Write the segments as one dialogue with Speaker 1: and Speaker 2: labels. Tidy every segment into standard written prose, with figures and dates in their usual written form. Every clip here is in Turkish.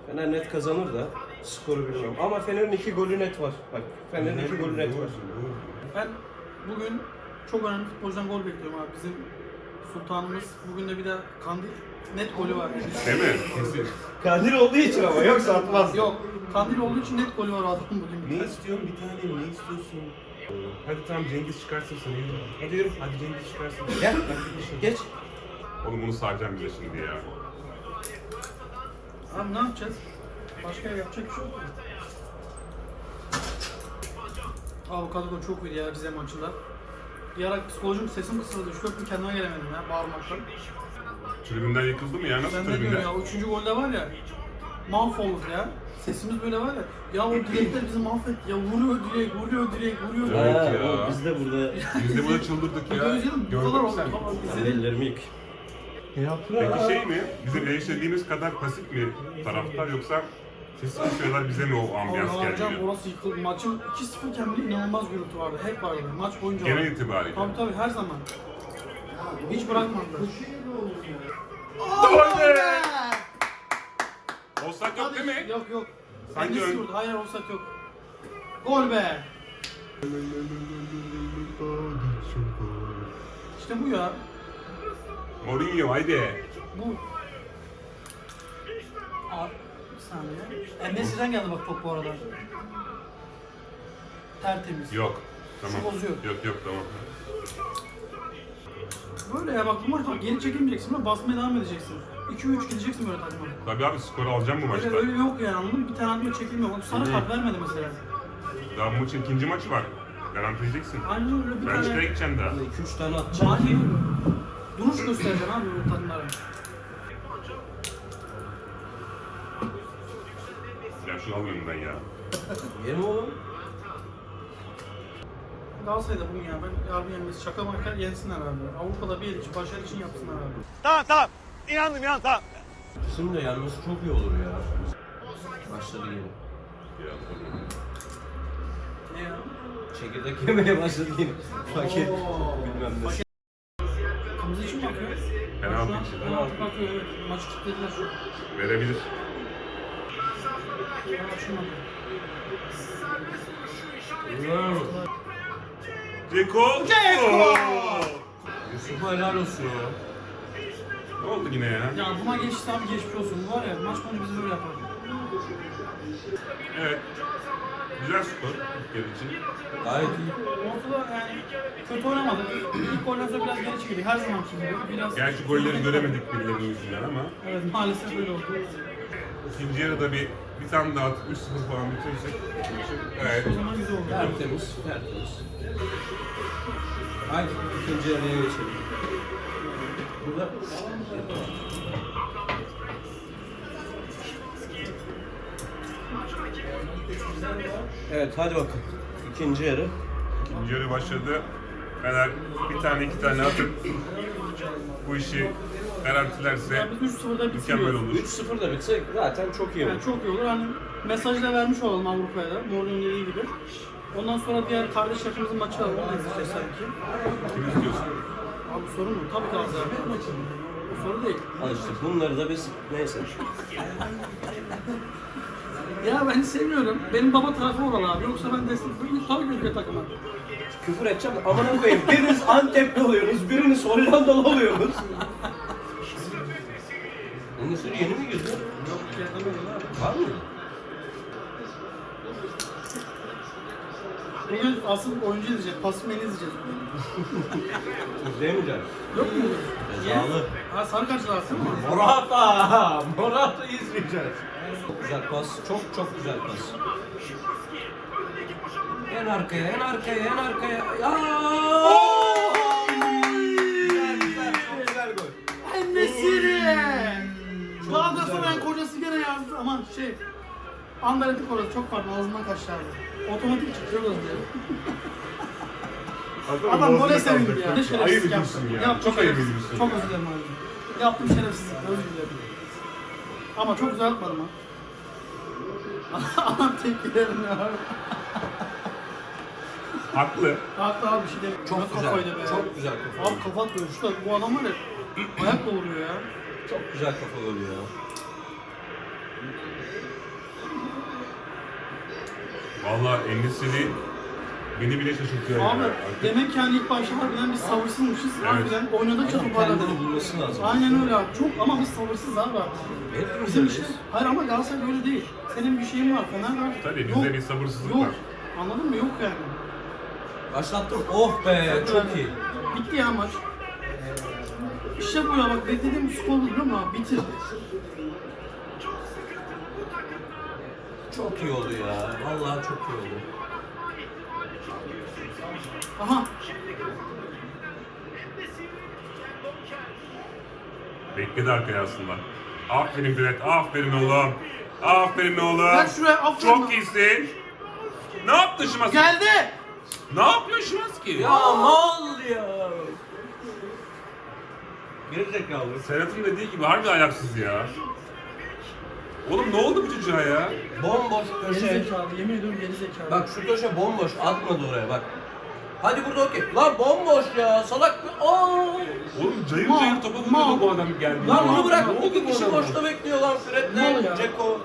Speaker 1: Fener net kazanır da skoru bilmem. Ama Fener'in 2 golü net var. Bak Fener'in 2 golü net var.
Speaker 2: Ben bugün çok önemli futbolcudan gol bekliyorum abi. Bizim sultanımız bugün de bir de Kandil net golü var.
Speaker 3: Değil mi? Kesin.
Speaker 1: Kadir olduğu için ama yoksa atmaz.
Speaker 2: Yok. Kandil olduğu için net golü var adam bugün.
Speaker 3: Ne istiyorsun bir tanem, ne istiyorsun? Hadi tamam Cengiz çıkarsın seni.
Speaker 1: Hadi yürü.
Speaker 3: Hadi Cengiz çıkarsın.
Speaker 1: Gel. Geç.
Speaker 3: Oğlum bunu saracağım bize şimdi ya.
Speaker 2: Abi ne yapacağız? Başka yapacak bir şey yok mu? Abi Kadro çok iyiydi ya Rize maçında. Bir ara psikolojim sesim kısıldı. 3-4 gün kendime gelemedim ya bağırmaktan.
Speaker 3: Tribünden yıkıldı mı ya? Nasıl
Speaker 2: Ben ne diyorum
Speaker 3: tribünden?
Speaker 2: ya, 3. golde var ya, mahvolduk ya. Sesimiz böyle var ya, ya o direkler bizi mahvetti ya, vuruyor direk, vuruyor direk, vuruyor direk.
Speaker 3: Evet ya.
Speaker 1: Biz de burada
Speaker 3: Biz de burada çıldırdık ya.
Speaker 2: Gözlerim bu
Speaker 3: Gördün
Speaker 2: kadar
Speaker 3: mü
Speaker 2: oldu.
Speaker 3: sen?
Speaker 2: Tamam,
Speaker 1: ben
Speaker 2: izledim.
Speaker 1: ellerimi yık.
Speaker 3: Peki şey mi? Bizim eleştirdiğimiz kadar pasif mi taraftar yoksa sessiz kısıyorlar bize mi o ambiyans
Speaker 2: Allah hocam
Speaker 3: gelmiyor?
Speaker 2: orası yıkıldı. Maçın 2-0 iken bile inanılmaz gürültü vardı. Hep vardı. Maç boyunca vardı.
Speaker 3: Genel itibariyle.
Speaker 2: Tabii her zaman. Hiç bırakmadılar.
Speaker 3: Gol be! Offside yok değil mi?
Speaker 2: Yok yok.
Speaker 3: Sanki
Speaker 2: Sanki
Speaker 3: ön-
Speaker 2: vurdu. Hayır offside yok. Gol be! İşte bu ya.
Speaker 3: Mourinho haydi.
Speaker 2: Bu. Abi bir saniye. Enes'den geldi bak top bu arada. Tertemiz.
Speaker 3: Yok. Tamam.
Speaker 2: Şu bozuyor.
Speaker 3: Yok tamam.
Speaker 2: Böyle ya bak bu maç bak geri çekilmeyeceksin ama basmaya devam edeceksin. 2-3 gideceksin böyle takıma.
Speaker 3: Tabii abi skoru alacağım bu maçta.
Speaker 2: Öyle yok yani anladın mı? Bir tane atma çekilmiyor. Bak sarı kart vermedi mesela.
Speaker 3: Daha bu maçın ikinci maçı var. Garantileyeceksin.
Speaker 2: Aynen öyle bir
Speaker 3: Belçika'ya
Speaker 2: tane.
Speaker 3: gideceksin daha.
Speaker 1: 2-3 tane atacağım.
Speaker 2: Cahil duruş göstereceksin abi bu takımlara.
Speaker 3: Ya şunu alıyorum ben ya.
Speaker 1: Yerim oğlum.
Speaker 2: Galatasaray'da bugün ya ben yardım yenmesi şaka marka yensinler abi. Avrupa'da bir el için başarı için yapsınlar abi.
Speaker 4: Tamam. İnandım tamam.
Speaker 1: İkisinin de yenmesi çok iyi olur ya. Başladı yine.
Speaker 3: Ya tabii.
Speaker 2: Ne ya?
Speaker 1: Çekirdek yemeye başladı yine. Fakir. Bilmem ne.
Speaker 2: Kırmızı için mi bakıyor?
Speaker 3: Penaltı
Speaker 2: Şu an
Speaker 3: için.
Speaker 2: penaltı bakıyor evet. Maçı kilitlediler şu an.
Speaker 3: Verebilir.
Speaker 2: Maçı bakıyor.
Speaker 3: Ceko!
Speaker 1: Yusuf'a helal olsun ya.
Speaker 3: Ne oldu yine ya?
Speaker 2: Ya buna geçti abi geçmiş olsun. Bu var ya maç boyu bizi böyle yapar.
Speaker 3: Evet. Güzel skor ilk yarı için.
Speaker 1: Gayet iyi.
Speaker 2: Ortada yani kötü oynamadık. İlk golden sonra biraz geri çekildik. Her zamanki gibi. Biraz
Speaker 3: Gerçi golleri göremedik birilerinin yüzünden ama
Speaker 2: Evet maalesef öyle oldu.
Speaker 3: ikinci yarıda bir tane daha atıp 3-0 falan bitirirsek evet.
Speaker 2: O zaman güzel oldu.
Speaker 1: Tertemiz. Haydi ikinci yarıya geçelim. Burada evet hadi bakalım. İkinci yarı.
Speaker 3: İkinci yarı başladı. Fener bir tane iki tane atıp bu işi garantilerse
Speaker 2: Yani biz 3-0'da
Speaker 3: mükemmel
Speaker 2: bitiriyoruz.
Speaker 3: olur.
Speaker 1: 3-0 da bitse zaten çok iyi olur.
Speaker 2: Yani çok iyi olur. Hani mesajı da vermiş olalım Avrupa'ya da. Mourinho'nun dediği gibi. Ondan sonra diğer kardeş takımımızın maçı var. Onu da izleyeceğiz sanki.
Speaker 3: Kim istiyorsun?
Speaker 2: Abi sorun mu? Tabii ki abi. Bu soru değil.
Speaker 1: Al işte bunları da biz neyse.
Speaker 2: Ya ben sevmiyorum. Benim baba tarafı oralı abi. Yoksa ben destekliyorum. Tabii ki ülke takımı.
Speaker 1: Küfür edeceğim de amına koyayım. Biriniz Antepli oluyorsunuz, biriniz Hollandalı oluyorsunuz. Onun üstüne yeni mi girdi?
Speaker 2: Yok bir kere demedim abi.
Speaker 1: Var mı?
Speaker 2: Bugün asıl oyuncu izleyeceğiz. Pasifmeni izleyeceğiz.
Speaker 1: İzleyemeyeceğim.
Speaker 2: Yok mu?
Speaker 1: Cezalı.
Speaker 2: Ha sarı karşılarsın mı?
Speaker 1: Morata izleyeceğiz. Çok güzel pas, çok güzel pas. En arkaya. Ya! Güzel, çok güzel gol.
Speaker 2: Enesiri!
Speaker 1: Çok
Speaker 2: Galatasaray
Speaker 1: güzel.
Speaker 2: kocası gene yazdı ama Anderlecht orası çok pardon ağzından kaçtı abi. Otomatik çıkıyor gözleri. Adam gole sevindi ya. Ne
Speaker 3: Ayıp
Speaker 2: şerefsizlik
Speaker 3: ediyorsun
Speaker 2: yaptım.
Speaker 3: ya.
Speaker 2: Yaptım
Speaker 3: Çok ayıp
Speaker 2: şerefsizlik.
Speaker 3: ediyorsun.
Speaker 2: Çok özür dilerim abi. Yaptım şerefsizlik. Özür dilerim. Ama çok güzel atmadım ha. Adam tepkilerini abi.
Speaker 3: Haklı.
Speaker 2: Hatta abi bir şey değil.
Speaker 1: Çok
Speaker 2: Ne
Speaker 1: güzel,
Speaker 2: kafaydı be.
Speaker 1: çok güzel kafa.
Speaker 2: Abi kafa atıyor. Şu bu adam var ya ayakla vuruyor ya.
Speaker 1: Çok güzel kafa golü ya.
Speaker 3: Valla En-Nesyri beni bile şaşırtıyor.
Speaker 2: Abi
Speaker 3: ya.
Speaker 2: demek ki hani ilk başta harbiden biz sabırsızmışız.
Speaker 3: Evet.
Speaker 2: Harbiden oynadıkça toparladık.
Speaker 1: Kendini bulması lazım.
Speaker 2: Aynen öyle abi. Çok ama biz sabırsız abi.
Speaker 1: Hepimiz
Speaker 2: Bizim
Speaker 1: öyleyiz.
Speaker 2: işte, hayır ama Galatasaray öyle değil. Senin bir şeyin var, Fener var.
Speaker 3: Tabii
Speaker 2: Yok.
Speaker 3: bizde bir sabırsızlık
Speaker 2: Yok.
Speaker 3: var.
Speaker 2: Anladın mı? Yok yani.
Speaker 1: Başlattım. Oh be çok iyi.
Speaker 2: Bitti ya maç. İşte bu ya bak beklediğim skor bu biliyor musun abi? Bitir.
Speaker 1: Çok iyi oldu ya. Vallahi çok iyi oldu.
Speaker 2: Aha.
Speaker 3: Bekledi arkaya aslında. Aferin Fred, aferin oğlum. Aferin oğlum.
Speaker 2: Ver şuraya aferin.
Speaker 3: Çok iyisin. Ne yaptı Şimanski?
Speaker 2: Geldi.
Speaker 3: Ne yapıyor Şimanski?
Speaker 1: Ya mal ya. Gerizekalı.
Speaker 3: Serhat'ın dediği gibi harbi ayaksız ya. Oğlum ne oldu bu çocuğa ya?
Speaker 1: Bomboş
Speaker 2: Geri
Speaker 1: köşe.
Speaker 2: zekalı, yemin ediyorum geri zekalı.
Speaker 1: Bak şu köşe bomboş. Atmadı oraya bak. Hadi burada okey. Lan bomboş ya. Salak. Aa!
Speaker 3: Oğlum cayır
Speaker 2: Mal,
Speaker 3: cayır topa
Speaker 2: mal.
Speaker 3: vuruyordu bu adam geldi.
Speaker 1: Lan bunu bırak.
Speaker 3: Ne oldu
Speaker 1: İki
Speaker 3: bu
Speaker 1: kişi
Speaker 3: adama?
Speaker 1: boşta bekliyor lan.
Speaker 2: Mal
Speaker 1: Fred'le
Speaker 2: ya.
Speaker 1: Ceko.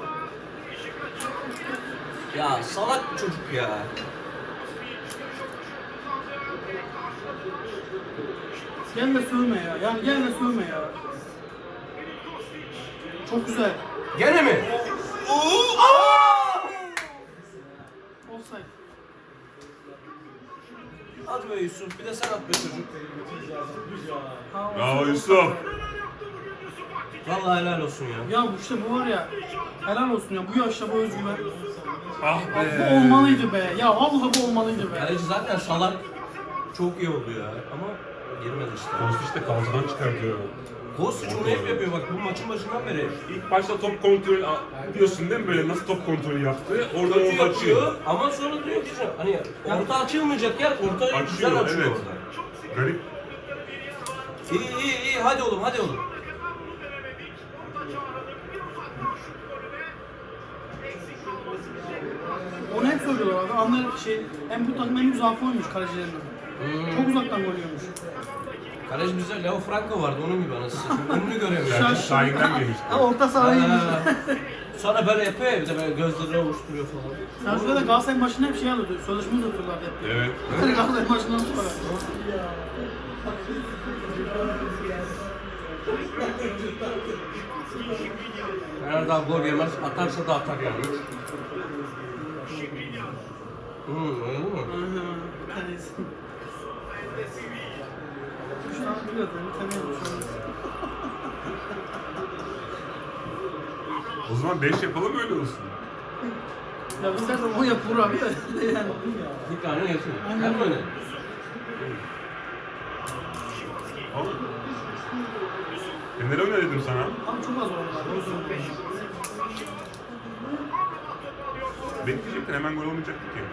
Speaker 1: Ya salak bir çocuk ya.
Speaker 2: Gelme sövme ya. Yani gelme sövme ya. Çok güzel.
Speaker 1: Gene mi?
Speaker 2: Offside.
Speaker 1: Hadi be Yusuf. Bir de sen at be çocuk.
Speaker 2: Ha,
Speaker 3: Bravo Yusuf.
Speaker 1: Vallahi helal olsun ya.
Speaker 2: Ya bu işte bu var ya. Helal olsun ya. Bu yaşta bu özgüven.
Speaker 3: Ah
Speaker 2: Bak,
Speaker 3: be.
Speaker 2: bu olmalıydı be. Ya vallahi bu olmalıydı be.
Speaker 1: Kaleci zaten salak. Çok iyi oldu ya. Ama girmedi işte.
Speaker 3: Kost işte kalçadan çıkartıyor.
Speaker 1: Kostiç onu hep yapıyor bak bu maçın başından beri.
Speaker 3: İlk başta top kontrolü diyorsun değil mi böyle nasıl top kontrolü yaptı? Oradan
Speaker 1: Kötü
Speaker 3: onu açıyor.
Speaker 1: yapıyor ama sonra diyor ki hani orta açılmayacak yer ortayı güzel
Speaker 3: Açıyor
Speaker 1: açıyor
Speaker 3: evet.
Speaker 1: orada.
Speaker 3: Garip.
Speaker 1: İyi hadi oğlum hadi oğlum.
Speaker 2: Onu hep söylüyorlar abi. Anlar hem bu takım hem zaafı oymuş kalecilerinden. Çok uzaktan gol yiyormuş.
Speaker 1: Kaleci bizde Leo Franco vardı onun gibi anasını satayım. Önünü göremiyor.
Speaker 3: Selçuk Şahin'den gelmişti.
Speaker 2: Ha, orta sahaya girmiş.
Speaker 1: Sonra böyle yapıyor ya bir de böyle gözlerini ovuşturuyor falan.
Speaker 2: Selçuk'ta da Galatasaray'ın başına hep şey alıyordu. Sözleşme uzatıyorlardı hep.
Speaker 3: Evet.
Speaker 2: Galatasaray'ın başından sonra.
Speaker 1: Eğer daha gol yemez atarsa da atar yani. Öyle mi?
Speaker 2: Aha, bir tanesi. Üç tane biliyordum, bir tane yapmış olması.
Speaker 3: O zaman 5 yapalım öyle olsun.
Speaker 2: Ya istersen o yap vur abi de yani.
Speaker 1: Bir tane yesin.
Speaker 2: Aynen
Speaker 1: Hem
Speaker 2: öyle.
Speaker 1: öyle.
Speaker 3: Al. Fener'e öyle dedim sana.
Speaker 2: Abi çok az oynadılar, o yüzden.
Speaker 3: Bekleyecektin hemen gol olmayacaktı ki.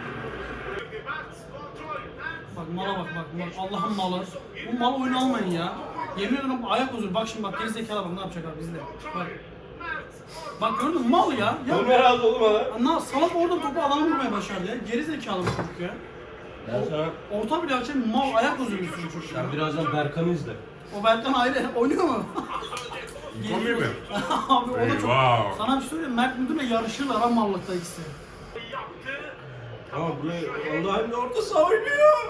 Speaker 2: Bak mala bak. Allah'ın malı. Bu mal oyunu almayın ya. Yemin ederim ayak huzur. Bak şimdi bak gerizekalı bak ne yapacak abi bizde. Bak. Bak gördün mü mal ya. Ya
Speaker 1: herhalde oğlum ha.
Speaker 2: ana salak orada topu alana vurmaya başardı ya. Gerizekalı bu çocuk ya.
Speaker 1: Ben sana...
Speaker 2: Orta bile açayım mal ayak huzur bir sürü çocuk ya.
Speaker 1: Sen birazdan Berkan'ı izle.
Speaker 2: O Berkan ayrı oynuyor mu?
Speaker 3: Kombi mi?
Speaker 2: Abi o da çok...
Speaker 3: Wow.
Speaker 2: Sana bir şey söyleyeyim Mert Müdür'le yarışırlar ha mallıkta ikisi.
Speaker 1: Ama buraya Allah'ım da orta saha oynuyor.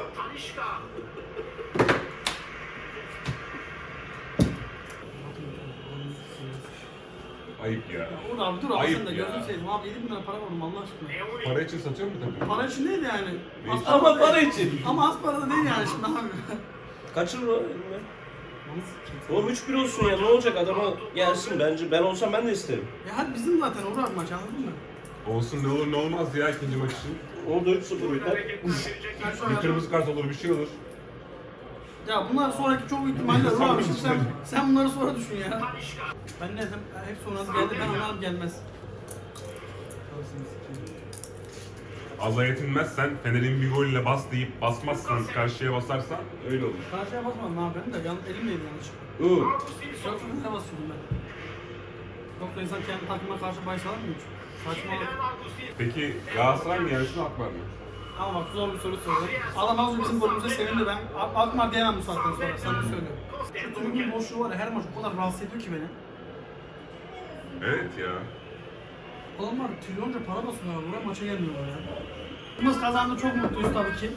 Speaker 3: Ayıp ya.
Speaker 2: Dur abi dur abi
Speaker 3: Ayıp
Speaker 2: sen de
Speaker 3: ya.
Speaker 2: gözünü seveyim abi 7 bin lira para verdim Allah aşkına.
Speaker 3: Para için satıyor mu takım?
Speaker 2: Para için değil yani. Az
Speaker 1: Ama
Speaker 2: değil.
Speaker 1: para için.
Speaker 2: Ama az para da değil yani şimdi abi.
Speaker 1: Kaçır mı? Oğlum 3-1 olsun ya ne olacak adama gelsin bence ben olsam ben de isterim.
Speaker 2: Ya hadi bizim zaten olur abi maç anladın mı?
Speaker 3: Olsun ne olur ne olmaz ya ikinci maç için.
Speaker 1: Orada 3-0 biter.
Speaker 2: Yani şu an-
Speaker 3: Bir kırmızı kart olur bir şey olur.
Speaker 2: Ya bunlar sonraki çok ihtimalle olur abi.
Speaker 3: Sanmışım
Speaker 2: Şimdi sen bunları sonra düşün ya. Ben ne dedim? Hepsi ona geldi ben onlarım gelmez.
Speaker 3: Allah yetinmezsen Fener'in bir golle bas deyip basmazsan karşıya basarsan öyle olur.
Speaker 2: Karşıya basmadım abi ben de elimdeydi yanlış. Yoksa ne basıyordum ben? Yoksa insan kendi takımına karşı bahis alır mı hiç? Saçmalık.
Speaker 3: Peki Galatasaray mı yarışma Akbar mı?
Speaker 2: Ama bak zor bir soru soruyor. Adam az önce bizim golümüze sevindi ben. Akmar diyemem bu saatten sonra. Sana söylüyorum. Şu Tunuk'un boşluğu var ya her maç o kadar rahatsız ediyor ki beni.
Speaker 3: Evet ya.
Speaker 2: Adamlar trilyonca para basıyorlar buraya, maça gelmiyorlar ya. Yılmaz kazandı, çok mutluyuz tabii ki.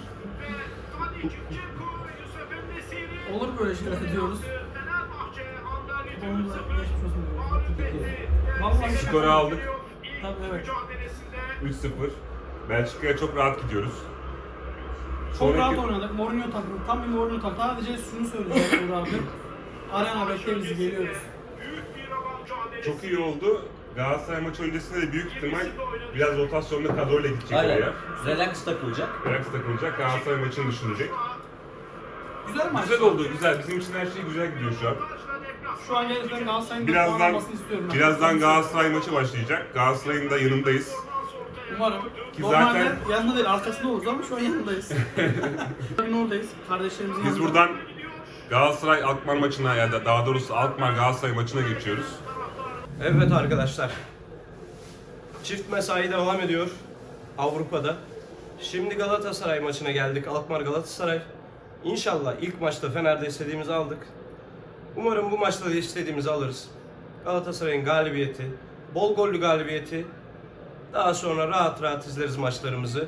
Speaker 2: Olur böyle şeyler diyoruz. Babamıza geçmiş olsun diyoruz. Vallahi
Speaker 3: Skoru
Speaker 2: şaka.
Speaker 3: aldık.
Speaker 2: Tabii evet.
Speaker 3: 3-0. Belçika'ya çok rahat gidiyoruz.
Speaker 2: Çok rahat
Speaker 3: Sonraki-
Speaker 2: oynadık. Mourinho takımı. Tam bir Mourinho takımı. Sadece şunu söyleyeceğim Uğur abi. Arena bekle bizi, geliyoruz.
Speaker 3: Çok iyi oldu. Galatasaray maçı öncesinde de büyük ihtimal biraz rotasyonda kadroyla gidecek
Speaker 1: Aynen.
Speaker 3: oraya.
Speaker 1: Relax takılacak.
Speaker 3: Relax takılacak. Galatasaray maçını düşünecek.
Speaker 2: Güzel maç.
Speaker 3: Güzel oldu, güzel. Bizim için her şey güzel gidiyor şu an.
Speaker 2: Şu an gerçekten Galatasaray'ın da puan
Speaker 3: Birazdan
Speaker 2: almasını istiyorum. ben.
Speaker 3: birazdan Galatasaray maçı başlayacak. Galatasaray'ın da yanındayız.
Speaker 2: Umarım.
Speaker 3: Ki
Speaker 2: Normalde
Speaker 3: zaten-
Speaker 2: yanında değil, arkasında oluruz ama şu an yanındayız. Bugün oradayız. Kardeşlerimizin
Speaker 3: Biz
Speaker 2: yanında.
Speaker 3: buradan Galatasaray Alkmaar maçına ya da daha doğrusu Alkmaar Galatasaray maçına geçiyoruz.
Speaker 1: Evet arkadaşlar. Çift mesai devam ediyor Avrupa'da. Şimdi Galatasaray maçına geldik. Alkmaar Galatasaray. İnşallah ilk maçta Fener'de istediğimizi aldık. Umarım bu maçta da istediğimizi alırız. Galatasaray'ın galibiyeti, bol gollü galibiyeti. Daha sonra rahat rahat izleriz maçlarımızı.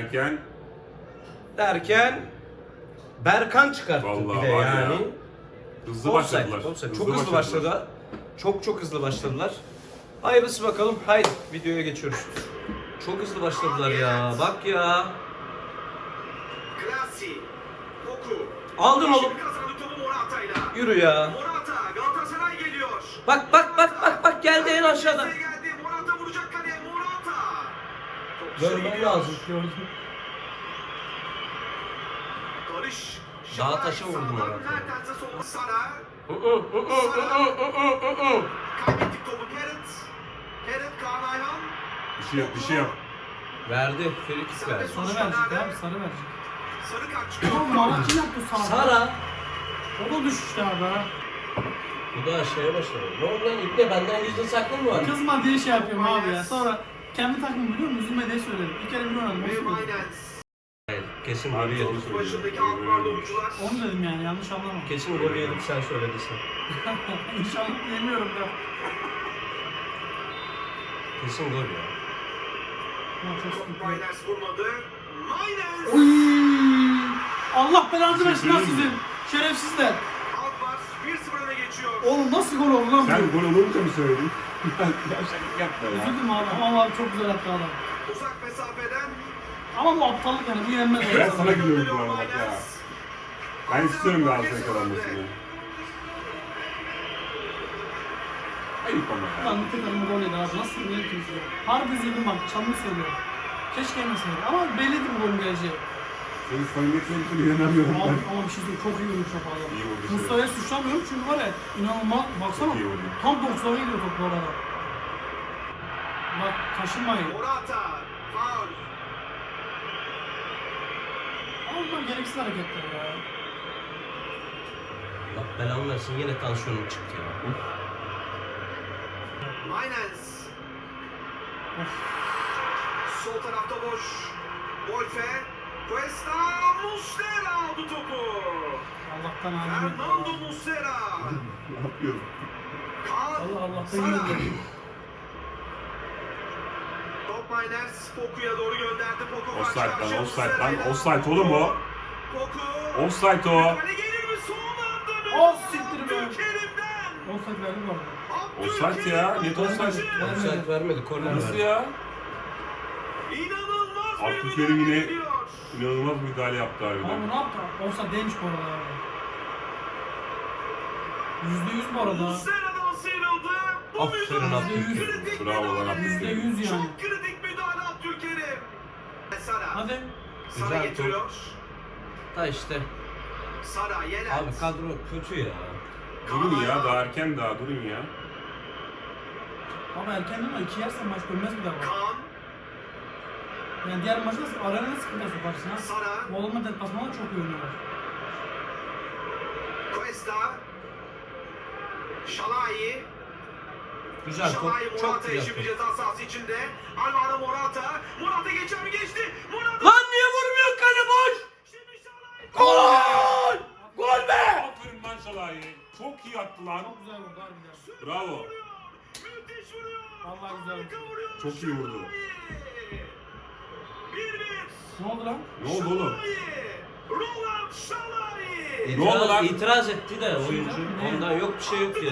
Speaker 1: Derken Berkan çıkarttı
Speaker 3: Vallahi
Speaker 1: bir de
Speaker 3: var ya.
Speaker 1: yani.
Speaker 3: Hızlı
Speaker 1: Offside,
Speaker 3: başladılar.
Speaker 1: offside. Çok hızlı başladılar. Çok hızlı başladılar. Hayırlısı bakalım. Haydi videoya geçiyoruz. Çok hızlı başladılar ya. Bak ya.
Speaker 5: Klasi, Poku.
Speaker 1: Aldın oğlum.
Speaker 5: Şimdi kazandı topu Morata'yla.
Speaker 1: Yürü ya.
Speaker 5: Morata, Galatasaray geliyor.
Speaker 1: Bak geldi en aşağıda.
Speaker 5: Geldi. Morata vuracak kaleye. Morata. Top
Speaker 1: Görmem
Speaker 5: dışarı
Speaker 1: lazım.
Speaker 5: gidiyor. Barış.
Speaker 1: Dağa
Speaker 5: Şalay
Speaker 1: taşa vurdu
Speaker 5: sağdan
Speaker 1: Morata.
Speaker 5: Mertens'e sola. Sara.
Speaker 1: Hı.
Speaker 5: Kaybettik topu. Keret Kaan Ayhan.
Speaker 3: Bir şey yap.
Speaker 1: Verdi. Frikik verdi.
Speaker 2: Sarı verecek abi, sarı verecek.
Speaker 5: Sarı kart çıkıyor.
Speaker 2: Oğlum Mara kim yaptı sana?
Speaker 1: Sara.
Speaker 2: O da düşüştü abi ha.
Speaker 1: Bu da aşağıya başladı. Ne oldu lan? İpne benden gizli saklı mı var?
Speaker 2: Kızma diye şey yapıyorum abi ya. Sonra kendi takımı biliyor musun? Üzülme diye söyledim. Bir kere bir oynadım.
Speaker 5: Ve
Speaker 2: Olsun dedim.
Speaker 5: Maynez.
Speaker 1: Hayır. Kesin golü
Speaker 3: Abi,
Speaker 1: yedik.
Speaker 5: Başındaki Alkmaar'da oyuncular.
Speaker 2: Onu dedim yani, yanlış anlama.
Speaker 1: Kesin golü yedik sen söyledin.
Speaker 2: İnşallah diyemiyorum da.
Speaker 1: Kesin gol ya.
Speaker 2: Ya çok sıkıntı.
Speaker 5: Maynez vurmadı. Maynez.
Speaker 2: Oy! Allah belanızı versin lan sizin. Şerefsizler.
Speaker 5: Alkmaar 1-0 öne geçiyor.
Speaker 2: Oğlum nasıl gol oldu lan bu?
Speaker 3: Sen gol olunca mı söyledin? Şaka yapma ya.
Speaker 2: Üzüldüm abi ama abi çok güzel attı adam.
Speaker 5: Uzak mesafeden
Speaker 2: Ama bu aptallık yani, bu yenmez.
Speaker 3: Ben
Speaker 2: o
Speaker 3: sana
Speaker 2: zaman.
Speaker 3: gülüyorum bu arada bak ya. Ben istiyorum Galatasaray kazanmasını. Ayıp ama ya.
Speaker 2: Lan tek adamı gol yedi abi. Nasıl niye kimse? Harbi üzüldüm bak. Çamlı söylüyorum. Keşke yemeseydi. Ama belliydi bu golün geleceği.
Speaker 3: Senin samimiyetine bir türlü inanamıyorum
Speaker 2: Abi
Speaker 3: ben.
Speaker 2: ama bir şey söyleyeyim. Çok iyi vurmuş o adam.
Speaker 3: İyi vurdu.
Speaker 2: Mustafa'ya suçlamıyorum çünkü var ya, inanılmaz. Baksana.
Speaker 3: Çok iyi vurdu.
Speaker 2: Tam 90'a gidiyor top bu arada. Bak kaşınmayın.
Speaker 5: Morata. Faul.
Speaker 2: Ama bunlar gereksiz hareketler ya.
Speaker 1: Allah belanı versin yine tansiyonum çıktı ya.
Speaker 5: Maynez.
Speaker 2: Of.
Speaker 5: Sol tarafta boş. Wolfe. Cuesta. Muslera aldı topu.
Speaker 2: Allah'tan alem yok.
Speaker 5: Fernando Muslera.
Speaker 3: Ne yapıyorum?
Speaker 5: Kaan.
Speaker 2: Allah
Speaker 5: Sara.
Speaker 2: belanı.
Speaker 5: Top Maynez. Poku'ya doğru gönderdi. Poku
Speaker 3: Offside lan,
Speaker 5: karşı
Speaker 3: offside lan.
Speaker 5: Muslera'yla.
Speaker 3: Offside oğlum o.
Speaker 5: Poku.
Speaker 3: Offside o.
Speaker 5: Müdahale gelir mi? Son anda
Speaker 2: Oh,
Speaker 5: müdahale
Speaker 2: siktir be.
Speaker 5: Abdülkerim'den.
Speaker 2: Offside verdi bu arada.
Speaker 3: Offside ya, net offside.
Speaker 1: Offside vermedi, korner
Speaker 3: Nasıl
Speaker 1: verdi.
Speaker 3: ya?
Speaker 5: İnanılmaz bir
Speaker 3: Abdülkerim
Speaker 5: müdahale
Speaker 3: yine
Speaker 5: geliyor.
Speaker 3: inanılmaz müdahale yaptı
Speaker 2: Abi
Speaker 3: harbiden.
Speaker 2: ne yaptı? Offside değilmiş bu arada abi. %100 bu arada.
Speaker 5: Muslera'dan sıyrıldı. Bu
Speaker 1: Aferin
Speaker 5: müdahale
Speaker 1: Abdülkerim.
Speaker 5: kritik
Speaker 3: Bravo lan
Speaker 5: müdahale.
Speaker 3: Abdülkerim.
Speaker 2: %100 yani.
Speaker 5: Çok kritik müdahale Abdülkerim. Sara.
Speaker 2: Hadi.
Speaker 5: Sara
Speaker 1: Güzel
Speaker 5: getiriyor.
Speaker 1: Da işte.
Speaker 5: Sara Yelent.
Speaker 1: Abi kadro kötü ya.
Speaker 3: Durun ya, daha erken daha durun ya.
Speaker 2: Ama erken ama 2 yersen maç dönmez bir daha.
Speaker 5: Kaan.
Speaker 2: Yani diğer maçta aranı sıkıntı sokarsın ha.
Speaker 5: Sara.
Speaker 2: Bu adamlar deplasmanda çok iyi oynuyorlar.
Speaker 5: Cuesta. Şalai.
Speaker 1: Güzel
Speaker 5: Şalai
Speaker 1: top. Çok
Speaker 5: Morata
Speaker 1: güzel
Speaker 5: eşi bir
Speaker 1: top.
Speaker 5: ceza sahası içinde. Alvaro Morata. Morata geçer mi geçti? Morata.
Speaker 1: Lan niye vurmuyor kale boş?
Speaker 5: Şimdi Şalai.
Speaker 1: Gol! Gol be!
Speaker 3: Aferin lan Şalai. Çok iyi attı lan.
Speaker 2: Çok güzel oldu harbiden.
Speaker 3: Bravo.
Speaker 5: Müthiş vuruyor.
Speaker 2: Vallahi güzel.
Speaker 5: Harika vuruyor.
Speaker 3: Çok iyi vurdu.
Speaker 5: 1-1.
Speaker 2: Ne oldu lan?
Speaker 3: Ne oldu oğlum?
Speaker 5: Roland Şalai.
Speaker 3: Ne oldu lan?
Speaker 1: İtiraz etti de oyuncu.
Speaker 2: Ne?
Speaker 1: Ondan yok bir şey yok ya.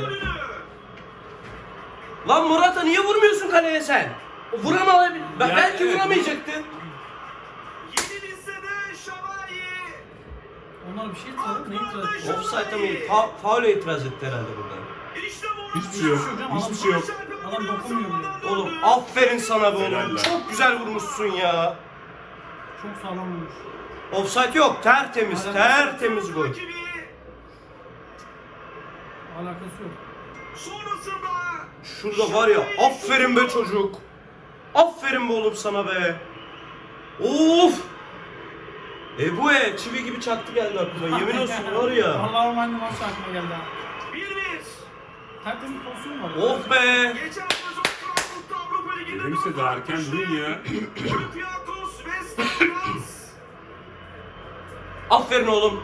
Speaker 1: Lan Morata niye vurmuyorsun kaleye sen? Vuramay
Speaker 3: Ya
Speaker 1: belki
Speaker 3: evet,
Speaker 1: vuramayacaktı.
Speaker 5: Yeni listede Şalai.
Speaker 2: Onlar bir şey itiraz ne itiraz etti?
Speaker 1: Offside'a mı? Faule itiraz etti herhalde burada.
Speaker 5: İşte bu.
Speaker 3: Hiçbir şey yok. Hiçbir şey yok.
Speaker 2: Adam dokunmuyor bile.
Speaker 1: Oğlum aferin sana be
Speaker 3: Helal
Speaker 1: oğlum.
Speaker 3: lan.
Speaker 1: Çok güzel vurmuşsun ya.
Speaker 2: Çok sağlam olmuş.
Speaker 1: Offside yok. Tertemiz. Tertemiz gol.
Speaker 5: Rakibi.
Speaker 2: Alakası yok.
Speaker 5: Sonrasında
Speaker 1: Şurada var ya. Aferin be çocuk. Aferin be oğlum sana be. Of. Bu çivi gibi çaktı geldi aklıma. Yemin olsun var ya.
Speaker 2: Allah'ım hangi maç aklıma geldi ha.
Speaker 5: 1-1.
Speaker 2: Tertemiz pozisyon var.
Speaker 1: Oh be.
Speaker 5: Geçen sezon Frankfurt'ta Avrupa Ligi'nde
Speaker 3: Demişse de erken durun ya.
Speaker 5: Olympiakos West Ham
Speaker 1: Aferin oğlum.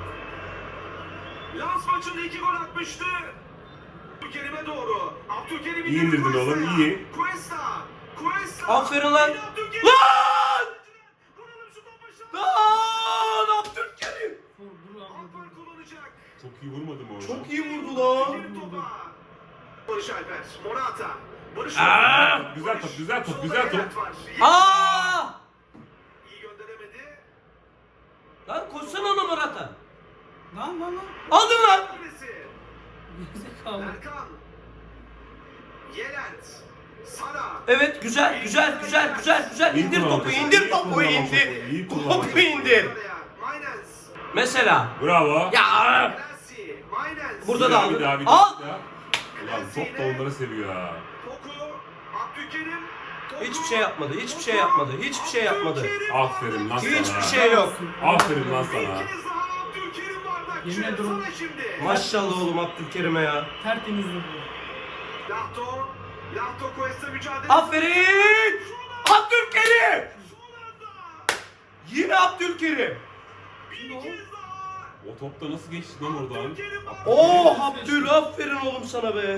Speaker 5: Lens maçında 2 gol atmıştı. Abdülkerim'e doğru. Abdülkerim
Speaker 3: İyi indirdin oğlum, iyi.
Speaker 5: Cuesta.
Speaker 1: Aferin lan.
Speaker 5: Yine Abdülkerim.
Speaker 1: Lan!
Speaker 5: Vuralım şu topa.
Speaker 1: Lan Abdülkerim.
Speaker 2: Dur abi.
Speaker 5: Alper kullanacak.
Speaker 3: Çok iyi vurmadım orada.
Speaker 1: Çok iyi vurdu lan.
Speaker 5: Abdülkerim topa. Barış Alper. Morata. Barış
Speaker 1: Aa!
Speaker 5: Alper.
Speaker 3: Güzel top, güzel top,
Speaker 5: Solda
Speaker 3: güzel top.
Speaker 5: Yelert var.
Speaker 1: Aa!
Speaker 5: İyi gönderemedi.
Speaker 1: Lan koşsana onu Morata.
Speaker 2: Lan lan lan.
Speaker 1: Aldın lan.
Speaker 5: Birisi.
Speaker 2: Gerizekalı.
Speaker 5: Erkan. Yelert. Sara.
Speaker 1: Evet güzel güzel güzel güzel güzel.
Speaker 3: İyi
Speaker 1: İndir
Speaker 3: kullan
Speaker 1: topu
Speaker 3: topu,
Speaker 1: indir
Speaker 3: iyi
Speaker 1: topu
Speaker 3: kullan
Speaker 1: indir.
Speaker 3: topu, iyi kullan
Speaker 1: Topu
Speaker 3: topu.
Speaker 1: indir.
Speaker 5: Mainz.
Speaker 1: Mesela.
Speaker 3: Bravo.
Speaker 1: Ya
Speaker 5: Klasi. Mainz.
Speaker 1: burada
Speaker 3: Bir
Speaker 1: da
Speaker 3: daha,
Speaker 1: aldın.
Speaker 3: bir daha, bir daha,
Speaker 1: Al.
Speaker 3: bir daha. Ulan top da onları seviyor ha.
Speaker 5: Toku. Abdülkerim. Toku.
Speaker 1: Hiçbir şey yapmadı. Hiçbir şey yapmadı. Hiçbir şey yapmadı.
Speaker 5: Abdülkerim
Speaker 3: Aferin lan
Speaker 5: bardakçı.
Speaker 3: sana.
Speaker 1: Hiçbir şey yok.
Speaker 3: Aferin lan
Speaker 5: Bir
Speaker 3: sana.
Speaker 5: kez daha Abdülkerim bardakçı.
Speaker 2: Yemin ediyorum.
Speaker 5: Sana şimdi.
Speaker 1: Maşallah oğlum Abdülkerim'e ya.
Speaker 2: Tertemiz vurdu.
Speaker 5: Lahto. Lahto Cuesta mücadele.
Speaker 1: Aferin. Abdülkerim.
Speaker 5: Son anda.
Speaker 1: Yine Abdülkerim.
Speaker 5: Bir kez daha.
Speaker 3: O top da nasıl geçti lan oradan?
Speaker 5: Abdülkerim
Speaker 1: Oh Abdül aferin oğlum sana be.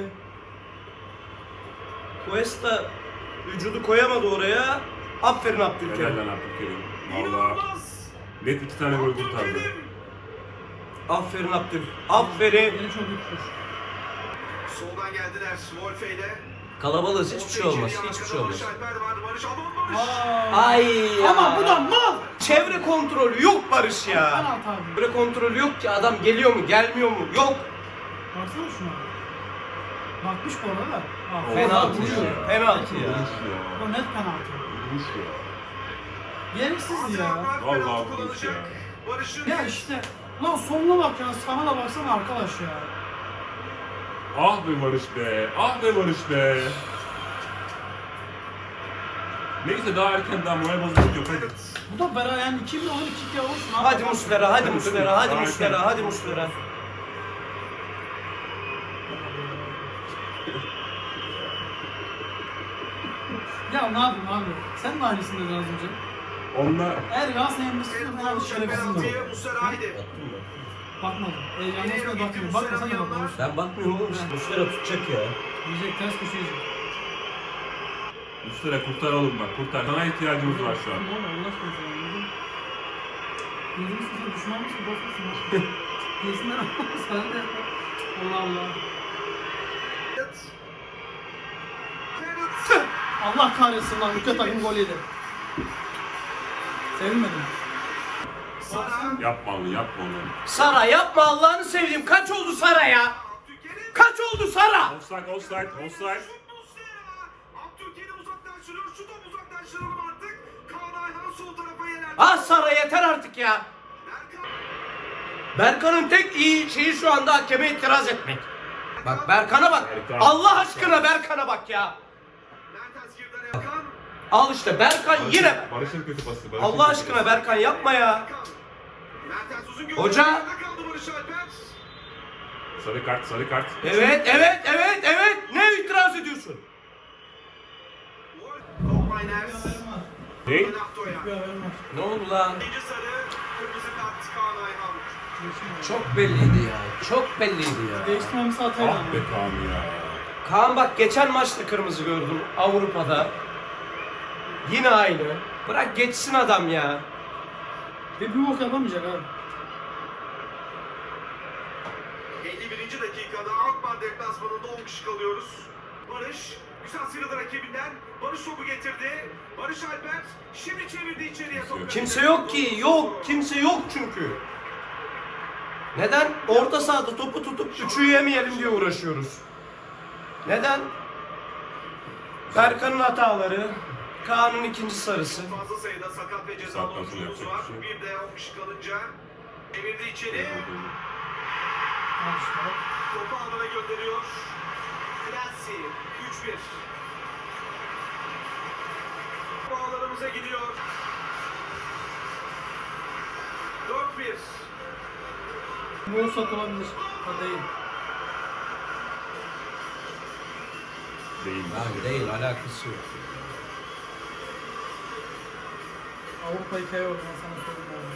Speaker 1: Cuesta vücudu koyamadı oraya. Aferin
Speaker 3: Helal
Speaker 1: Abdülkerim.
Speaker 3: lan Abdülkerim. Valla
Speaker 5: İnanılmaz.
Speaker 3: net 2 tane gol kurtardı.
Speaker 5: Abdülkerim.
Speaker 1: Aferin Abdül. Aferin.
Speaker 2: Yine çok yutmuş.
Speaker 5: Soldan geldiler Wolfe ile.
Speaker 1: Kalabalığız hiçbir şey olmaz. Hiçbir şey olmaz.
Speaker 5: Barış Alper var. Barış aman Barış.
Speaker 2: Aa.
Speaker 1: Ay ya.
Speaker 2: Ama bu da mal.
Speaker 1: Çevre kontrolü yok Barış ya.
Speaker 2: Penaltı abi.
Speaker 1: Çevre kontrolü yok ki adam geliyor mu gelmiyor mu yok.
Speaker 2: Baksana şuna. Bakmış bu arada da. Aa,
Speaker 1: Penaltı
Speaker 2: vuruyor.
Speaker 1: ya. Penaltı ya.
Speaker 2: Bu net penaltı.
Speaker 3: Vuruş ya.
Speaker 2: Gereksiz ya.
Speaker 3: Vallahi
Speaker 5: Penaltı
Speaker 3: vuruş
Speaker 5: kullanacak.
Speaker 3: ya.
Speaker 5: Barış'ın
Speaker 2: Ya işte. Lan sonuna bak ya. Sana da baksana arkadaş ya.
Speaker 3: Ah be Barış be. Ah be Barış be. Neyse daha erken daha moral bozukluğu yok hadi.
Speaker 2: Bu da beraber yani 2000 olur 2 olsun. abi.
Speaker 1: Hadi Muslera, hadi
Speaker 3: Tabii,
Speaker 1: Muslera,
Speaker 3: tabii.
Speaker 1: hadi
Speaker 3: Harika.
Speaker 1: Muslera, hadi Muslera.
Speaker 2: Ya ne yapayım abi? Sen de aynısını dedin az önce.
Speaker 3: Onunla
Speaker 2: Eğer Galatasaray'ın bir sıkıntı var, şerefsizin de
Speaker 5: penaltıya
Speaker 2: olur.
Speaker 5: Muslera haydi.
Speaker 2: Bakmadım. Yalnız da bakmıyor. Bakma sen de bakma.
Speaker 1: Ben bakmıyorum oğlum işte. Muslera tutacak ya.
Speaker 2: Yiyecek ters köşe yiyecek.
Speaker 3: Üstüne kurtar oğlum bak kurtar. Sana ihtiyacımız var şu an.
Speaker 2: Ne olur Allah aşkına ya. Gözümü sıkıyor. Düşman mısın? Dost musun? Yesinler ama sana da yapma. Allah Allah. Allah kahretsin lan. Ülke takım gol yedi. Sevinmedim.
Speaker 5: Sara.
Speaker 3: Yapma onu yapma onu.
Speaker 1: Sara yapma Allah'ını seveyim. Kaç oldu Sara ya?
Speaker 5: Abdülkerim.
Speaker 1: Kaç oldu Sara?
Speaker 3: Offside offside offside.
Speaker 5: Abdülkerim uzaklaştırıyor. Şu top uzaklaştıralım artık. Kaan Ayhan sol tarafa yöneldi.
Speaker 1: Ah Sara yeter artık ya.
Speaker 5: Berkan.
Speaker 1: Berkan'ın tek iyi şeyi şu anda hakeme itiraz etmek. Bak Berkan'a bak.
Speaker 3: Berkan.
Speaker 1: Allah aşkına Berkan'a bak ya.
Speaker 5: Mertens girdi araya. Berkan.
Speaker 1: Al işte Berkan yine.
Speaker 3: Barış'ın kötü pası. Barış'ın
Speaker 1: Allah
Speaker 3: kötü
Speaker 1: aşkına
Speaker 3: pası.
Speaker 1: Berkan yapma ya.
Speaker 5: Berkan. Mertens uzun
Speaker 1: Hoca.
Speaker 5: gönderdi. Kaldı Barış Alper.
Speaker 3: Sarı kart sarı kart.
Speaker 1: Evet evet evet evet. Ne itiraz ediyorsun?
Speaker 5: Koppiners.
Speaker 3: Ne?
Speaker 5: Renato ya.
Speaker 2: Bir haberim var.
Speaker 1: Ne oldu lan?
Speaker 5: İkinci sarı. Kırmızı kart Kaan Ayhan.
Speaker 2: Değiştim abi.
Speaker 1: Çok belliydi ya. Çok belliydi ya.
Speaker 2: Değiştirmemesi hataydı
Speaker 3: Ah
Speaker 2: ama.
Speaker 3: be Kaan ya.
Speaker 1: Kaan bak geçen maçta kırmızı gördüm Avrupa'da. Yine aynı. Bırak geçsin adam ya.
Speaker 2: Ve bir bok yapamayacak abi.
Speaker 5: 51. dakikada Alkmaar deplasmanında 10 kişi kalıyoruz. Barış güzel sıyrıldı rakibinden. Barış topu getirdi. Barış Alper şimdi çevirdi içeriye topu.
Speaker 1: Kimse yok ki. Yok. Kimse yok çünkü. Neden? Orta sahada topu tutup üçü yemeyelim diye uğraşıyoruz. Neden? Berkan'ın hataları, Kaan'ın ikinci sarısı.
Speaker 5: Fazla sayıda sakat ve cezalı
Speaker 3: Saatten sonra
Speaker 5: oyuncumuz
Speaker 3: yapacak
Speaker 5: var.
Speaker 3: bir şey
Speaker 5: Bir de 10 kişi kalınca çevirdi içeri.
Speaker 2: Al işte.
Speaker 5: Topu alana gönderiyor. Clancy 3-1. Bağlarımıza gidiyor. 4-1.
Speaker 2: Bu olsak olabilir. Ha değil.
Speaker 3: Değil.
Speaker 1: Değil, alakası yok.
Speaker 2: Avrupa hikaye oldu ben sana söyleyeyim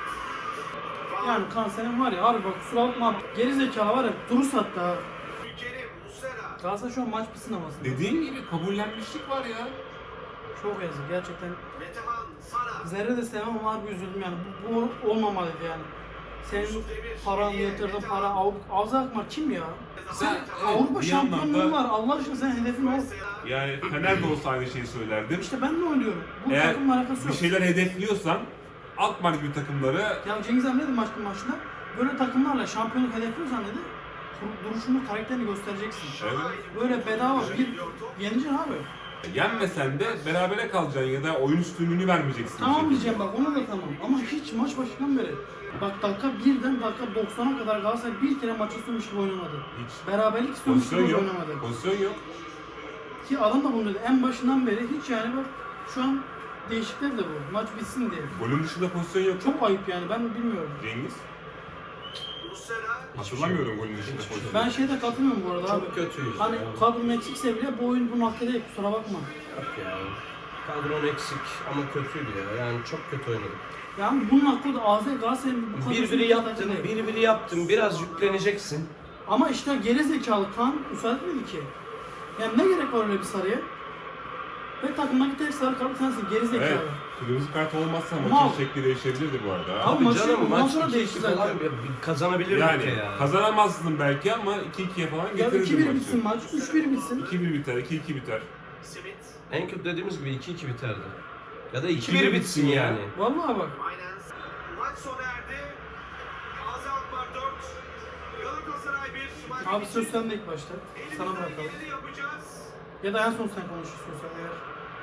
Speaker 2: abi. Yani kan senin var ya harbi bak kusura bakma geri zekalı var ya Durus hatta.
Speaker 5: Ülkenin Muslera.
Speaker 2: Galatasaray şu an maç bitsin havasında.
Speaker 3: Dediğin gibi kabullenmişlik var ya.
Speaker 2: Çok yazık gerçekten.
Speaker 5: Metehan Sara.
Speaker 2: Zerre de sevmem ama harbi üzüldüm yani. Bu olmamalıydı yani. Senin paran yatırdığın para Avza Akmar kim ya? Sen Avrupa
Speaker 3: bir
Speaker 2: şampiyonluğu
Speaker 3: yandan da-
Speaker 2: var. Allah aşkına sen hedefin o.
Speaker 3: Yani Fener'de olsa aynı şeyi söylerdim.
Speaker 2: İşte ben de oynuyorum. Bu
Speaker 3: Eğer
Speaker 2: takımla alakası
Speaker 3: bir
Speaker 2: yok.
Speaker 3: şeyler hedefliyorsan Alkmaar gibi takımları
Speaker 2: Ya Cengiz abi ne dedi maçında? Böyle takımlarla şampiyonluk hedefliyorsan dedi. Duruşunu, karakterini göstereceksin.
Speaker 3: evet,
Speaker 2: Böyle bedava bir yeneceksin abi.
Speaker 3: yenmesen de berabere kalacaksın ya da oyun üstünlüğünü vermeyeceksin.
Speaker 2: Tamam diyeceğim bak ona da tamam. Ama hiç maç başından beri. Bak dakika 1'den dakika 90'a kadar Galatasaray bir kere maçı sürmüş gibi oynamadı.
Speaker 3: Hiç.
Speaker 2: Beraberlik istiyormuş
Speaker 3: Pozisyon
Speaker 2: gibi
Speaker 3: yok.
Speaker 2: oynamadı.
Speaker 3: Pozisyon yok.
Speaker 2: Ki adam da bunu dedi. En başından beri hiç yani bak şu an değişikler de bu. Maç bitsin diye.
Speaker 3: Golün dışında pozisyon yok.
Speaker 2: Çok ayıp yani ben bilmiyorum.
Speaker 3: Cengiz.
Speaker 5: Muslera.
Speaker 3: Hatırlamıyorum golün dışında pozisyon.
Speaker 2: Ben şeyde katılmıyorum bu arada abi.
Speaker 1: Çok kötüyüz.
Speaker 2: Hani
Speaker 1: ya.
Speaker 2: kadronun eksikse bile bu oyun bunun hakkı değil kusura bakma.
Speaker 1: Yok ya. Kadron eksik ama kötüydü ya. Yani çok kötü oynadık.
Speaker 2: Yani bunun hakkı da AZ Galatasaray'ın bu kadar...
Speaker 1: Bir yaptın, bir yaptın. Biraz yükleneceksin.
Speaker 2: Ama işte geri zekalı kan müsaade etmedi ki. Yani ne gerek var öyle bir sarıya? Ve takımdaki tek sarı kart sensin geri zekalı.
Speaker 3: Evet. Kırmızı kart olmazsa
Speaker 2: Mal.
Speaker 3: maçın şekli değişebilirdi bu arada.
Speaker 2: Abi maçı
Speaker 1: canım
Speaker 2: bundan
Speaker 1: maç
Speaker 2: sonra
Speaker 1: 2-2
Speaker 2: değişti
Speaker 1: falan
Speaker 2: zaten.
Speaker 1: kazanabilirdik
Speaker 3: Yani
Speaker 1: ya.
Speaker 3: kazanamazdın belki ama 2-2'ye falan
Speaker 2: Ya
Speaker 3: getirirdin
Speaker 2: 2-1
Speaker 3: maçı.
Speaker 2: bitsin maç, 3-1 bitsin.
Speaker 3: 2-1 biter, 2-2 biter.
Speaker 5: Smith.
Speaker 1: En kötü dediğimiz gibi 2-2 biterdi. Ya da 2-1
Speaker 3: 2-1
Speaker 1: bitsin
Speaker 3: bitsin ya.
Speaker 1: yani.
Speaker 2: Vallahi bak.
Speaker 5: Aynen. Maç sona erdi. Gazi Alkmaar 4. Galatasaray 1.
Speaker 2: Abi söz sende ilk başta. Sana bırakalım.
Speaker 5: Geleni yapacağız.
Speaker 2: Ya da en son sen konuş istiyorsan eğer.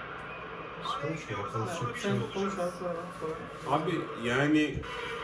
Speaker 1: Konuşma,
Speaker 2: Sen konuş abi sonra.
Speaker 3: Abi yani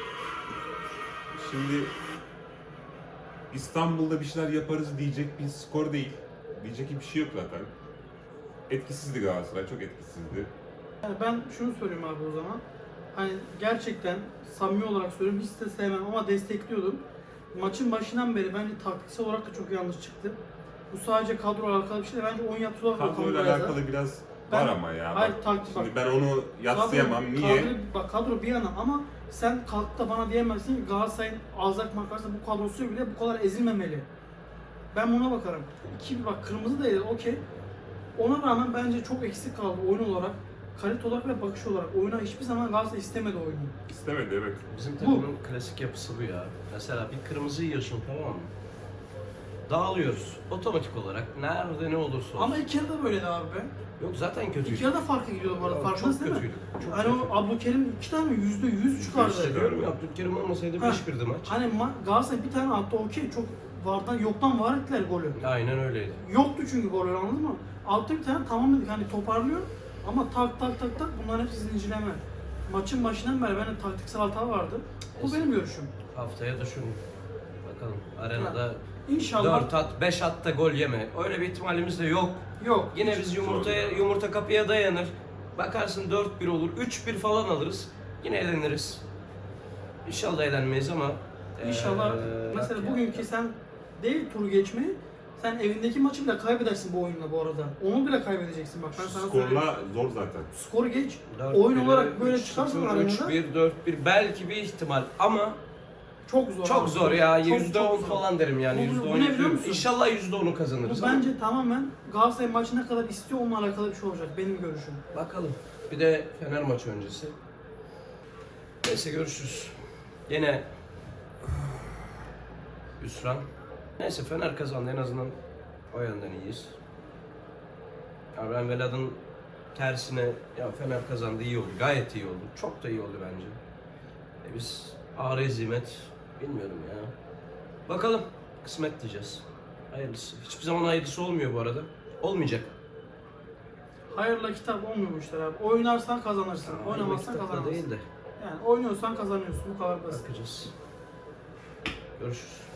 Speaker 3: şimdi İstanbul'da bir şeyler yaparız diyecek bir skor değil. Diyecek bir şey yok zaten. Etkisizdi Galatasaray, çok etkisizdi.
Speaker 2: Yani ben şunu söyleyeyim abi o zaman. Hani gerçekten samimi olarak söylüyorum hiç de sevmem ama destekliyordum. Maçın başından beri bence taktiksel olarak da çok yanlış çıktı. Bu sadece kadro alakalı bir şey değil. Bence oyun yapısı olarak da
Speaker 3: Kadroyla
Speaker 2: Okan
Speaker 3: alakalı biraz
Speaker 2: Ben-
Speaker 3: var ama ya.
Speaker 2: Hayır,
Speaker 3: Bak,
Speaker 2: taktik bak.
Speaker 3: şimdi ben onu yadsıyamam. Niye?
Speaker 2: Kadro bir yana ama sen kalkıp da bana diyemezsin ki Galatasaray'ın Azak Makarsa bu kadrosu bile bu kadar ezilmemeli. Ben buna bakarım. Bak kırmızı değil okey. Ona rağmen bence çok eksik kaldı oyun olarak. Kalite olarak ve bakış olarak. Oyuna hiçbir zaman Galatasaray istemedi oyunu.
Speaker 3: İstemedi evet.
Speaker 1: Bizim takımın klasik yapısı bu ya. Mesela bir kırmızı yiyorsun tamam mı? Dağılıyoruz. Otomatik olarak nerede ne olursa olsun.
Speaker 2: Ama ilk yarıda böyleydi abi be.
Speaker 1: Yok zaten kötüydü.
Speaker 2: İlk yarıda farkı gidiyordu bu arada.
Speaker 1: Ya,
Speaker 2: Farkındasın
Speaker 1: çok
Speaker 2: değil mi?
Speaker 1: kötüydü. Çok
Speaker 2: Hani
Speaker 1: kötü.
Speaker 2: o Abdülkerim 2 tane %100 çıkardı.
Speaker 3: İşte
Speaker 1: Diyorum ya Abdülkerim olmasaydı
Speaker 2: Ha.
Speaker 1: 5-1'di maç.
Speaker 2: Hani Galatasaray bir tane attı okey çok vardan yoktan var ettiler golü.
Speaker 1: Aynen öyleydi.
Speaker 2: Yoktu çünkü gol anladın mı? Altta bir tane tamam dedik hani toparlıyor ama tak tak tak tak bunların hepsi zincirleme. Maçın başından beri benim taktiksel hata vardı. Bu benim görüşüm.
Speaker 1: Haftaya düşün. Bakalım arenada
Speaker 2: İnşallah
Speaker 1: 4 at 5 at da gol yeme. Öyle bir ihtimalimiz de yok.
Speaker 2: yok.
Speaker 1: Yine biz yumurta kapıya dayanır. Bakarsın 4-1 olur. 3-1 falan alırız. Yine eğleniriz. İnşallah eğlenmeyiz ama
Speaker 2: İnşallah mesela
Speaker 1: bak ya.
Speaker 2: bugünkü sen değil turu geçmeyi sen evindeki maçı bile kaybedersin bu oyunla bu arada. Onu bile kaybedeceksin bak ben sana söyleyeyim.
Speaker 3: Skorla zor zaten.
Speaker 2: Skoru geç.
Speaker 1: 4-1'e,
Speaker 2: Oyun olarak böyle
Speaker 1: 3-0,
Speaker 2: çıkarsan arenada
Speaker 1: 3-1, 4-1 belki bir ihtimal ama
Speaker 2: Çok zor.
Speaker 1: Çok
Speaker 2: abi.
Speaker 1: zor ya.
Speaker 2: Çok,
Speaker 1: %10
Speaker 2: çok zor.
Speaker 1: falan derim yani.
Speaker 2: Bu
Speaker 1: %10
Speaker 2: ne biliyor
Speaker 1: yapıyorum.
Speaker 2: musun?
Speaker 1: İnşallah %10'u
Speaker 2: Bu
Speaker 1: kazanırız. ama
Speaker 2: bence tamamen Galatasaray maçı ne kadar istiyor onunla alakalı bir şey olacak benim görüşüm.
Speaker 1: Bakalım. Bir de Fener maçı öncesi. Neyse görüşürüz. Yine hüsran. Neyse Fener kazandı en azından o yönden iyiyiz. Ya ben Velad'ın tersine ya Fener kazandı iyi oldu. Gayet iyi oldu. Çok da iyi oldu bence. Biz ağır hezimet bilmiyorum ya. Bakalım kısmet diyeceğiz. Hayırlısı. Hiçbir zaman hayırlısı olmuyor bu arada. Olmayacak.
Speaker 2: Hayırla kitap olmuyor bu işler abi. Oynarsan kazanırsın. Oynamazsan
Speaker 1: Kitapla
Speaker 2: kazanamazsın.
Speaker 1: değil de
Speaker 2: Yani oynuyorsan kazanıyorsun. Bu kadar basit.
Speaker 1: bakacağız. Görüşürüz.